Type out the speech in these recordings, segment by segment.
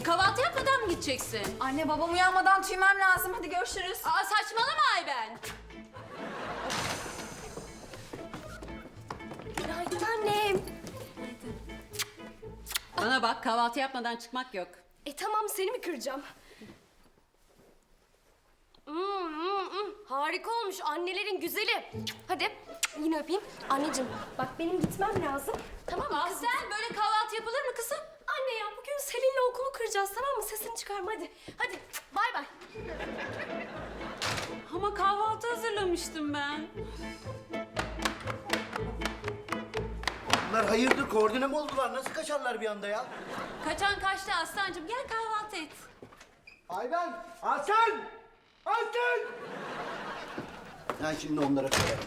Kahvaltı yapmadan mı gideceksin? Anne babam uyanmadan tüymem lazım. Hadi görüşürüz. Aa, saçmalama Ayben. Günaydın annem. Bana bak, kahvaltı yapmadan çıkmak yok. Tamam, seni mi kıracağım? Harika olmuş annelerin güzeli. Hadi yine öpeyim. Anneciğim bak benim gitmem lazım. Tamam mı kızım? Sen böyle kahvaltı yapılır mı kızım? Anne ya bugün Selin'le okulu kıracağız, tamam mı? Sesini çıkarma hadi. Hadi bay bay. Ama kahvaltı hazırlamıştım ben. Bunlar hayırdır, koordine mi oldular? Nasıl kaçarlar bir anda ya? Kaçan kaçtı Aslancığım. Gel kahvaltı et. Ayben! Aslan! Aslan! Ben şimdi onlara koyarım.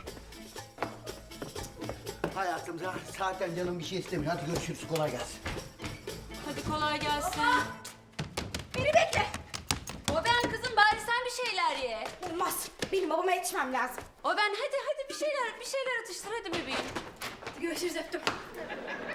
Hayatım zaten canım bir şey istemiyor. Hadi görüşürüz, kolay gelsin. Hadi kolay gelsin. Beni bekle. O ben kızım, bari sen bir şeyler ye. Olmaz. Benim babama yetişmem lazım. O ben, hadi bir şeyler atıştır hadi bebeğim. Görüşürüz, öptüm.